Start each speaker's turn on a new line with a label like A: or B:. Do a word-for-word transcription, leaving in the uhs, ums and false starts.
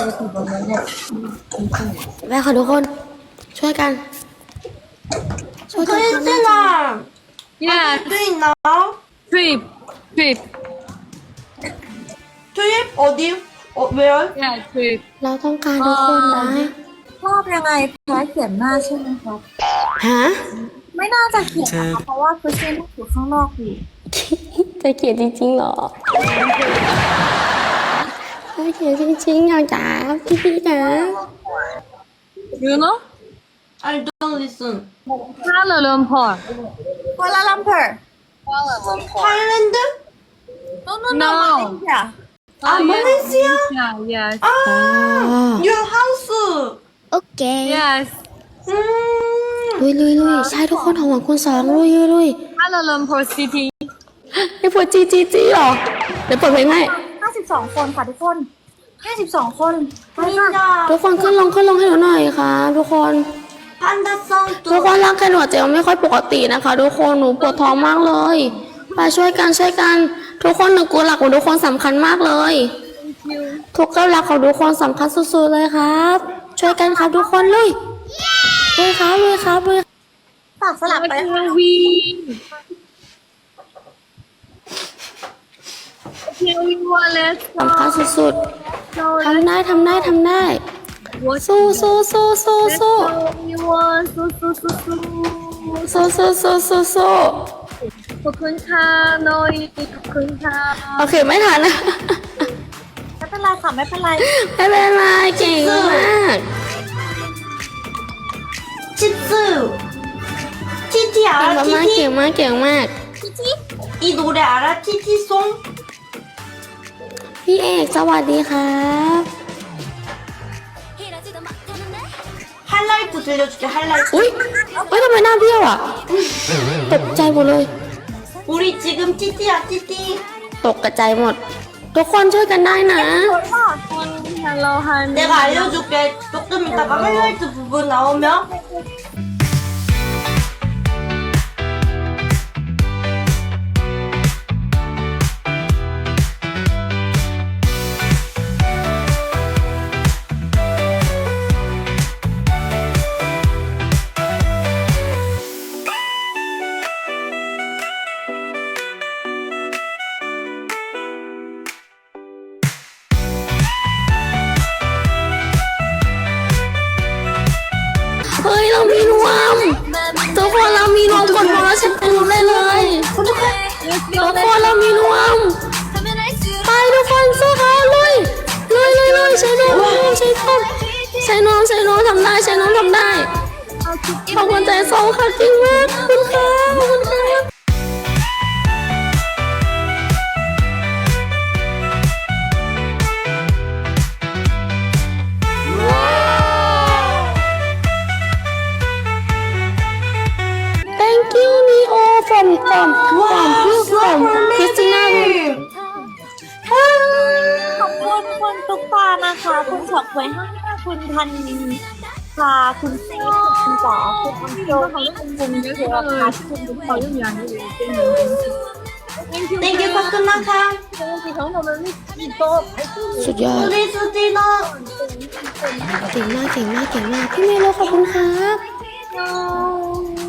A: แม่ค่ะทุกคนช่วยกันช่วยกันทำหน้าที่
B: Yeah,
C: doing now?
B: trip, trip.
C: Trip 어디? 어, where?
B: Yeah, trip.
A: เราต้องการทุกคนนะ
D: ชอบยังไงแพ้เขียนหน้าใช่ไหมครับ
A: ฮะ
D: ไม่น่าจะเขียนนะคะเพราะว่าคริสเตียนอยู่ข้างนอกอยู่
A: จะเขียนจริงๆเหรอจะเขียนจริงๆอยากจ๋าพี่พี่ๆนะ
B: You know?
C: I don't listen.
B: Kuala Lumpur.
D: กัวลาลัมเปอร์
C: Thailand?
D: no no no
B: No.
D: มาเลเซีย
C: Ah, Malaysia?
B: Yeah, yes.
C: Ah, your house.
A: โอเค
B: Yes.
C: Mm.
A: ลุยลุยลุยใช่ทุกคนของหวังคุณสองลุยลุยลุย
B: Kuala Lumpur City.
A: ไอ้พวกจีจีจีหรอเดี๋ยวเปิดเพลงให้
D: ห้าสิบสองคนค่ะทุกคนห้าสิบสองคนไปค่ะ
C: Linda.
A: ทุกคนขึ้นลงขึ้นลงให้หนูหน่อยค่ะทุกคน
C: Panda song
A: ทุก
C: too.
A: คนร่างกายหนูอาจจะยังไม่ค่อยปกตินะคะ ทุกคนหนูปวดท้องมากเลยไปช่วยกันช่วยกัน ทุกคนหนึ่งกูหลักของทุกคนสำคัญมากเลย ทุกเก้าหลักของทุกคนสำคัญสุดๆเลยครับ ช่วยกันครับทุกคนลุยลุยครับลุยครับลุย
D: ฝากสลับไป
B: We. Okay, we want let's
A: สำคัญสุดๆทำได้ทำได้ทำได้สู้สู้สู้สู้สู้
B: We want so so so so.
A: สู้สู้สู้สู้สู้
B: ขอบคุณค่ะน้อยขอบคุณค่ะ
A: โอเคไม่ทันนะ
D: ไม่เป็นไรค่ะไม่เป็นไร
A: ไม่เป็นไรเก่งมาก
C: 치즈. 티티
A: เก่ง
C: 알아?
A: มากๆเก่
C: 티티?
A: งมากเก่งมาก
C: 이 노래 알아? 티티 송?
A: พี่เอกสวัสดีครับ
C: 하이라이트 들려줄게. 하이라이트.
A: อุ้ยเฮ้ยทำไมหน้าเบี้ยวอ่ะตกใจหมดเลย
C: 우리 지금 티티야 티티.
A: ตกกระจายหมด ทุกคนช่วยกันได้นะ
B: Hello, honey.
C: 내가 알려줄게. 조금 이따가 하이라이트 부분 나오면
A: เฮ้ยเรามีนวมทุกคนเรามีนวมกดบอลแล้วฉันเป็นรู้ได้เลยทุกคนเรามีนวมไปทุกคนสู้เขาลุยลุยลุยลุยใช้นวมใช้นวมใช้นวมใช้นวมทำได้ใช้นวมทำได้ขอบคุณใจสองค่ะจริงมากขอบคุณค่ะขอบคุณค่ะ Thank you Neo from from from you from Christina
D: ขอบคุณคุณตุ๊กตานะคะคุณฉอกไว้ห้าคุณพันพาคุณเซฟคุณจ๋าคุณอังโจคุณบุญเยอะค่ะคุณบุญขอยุ่งยากเลย
C: 땡큐 파크나카.
A: สุดยอด
C: 우리 수진아.
A: เก่งมากเก่งมากเก่งมากพี่เมโลขอบคุณครับ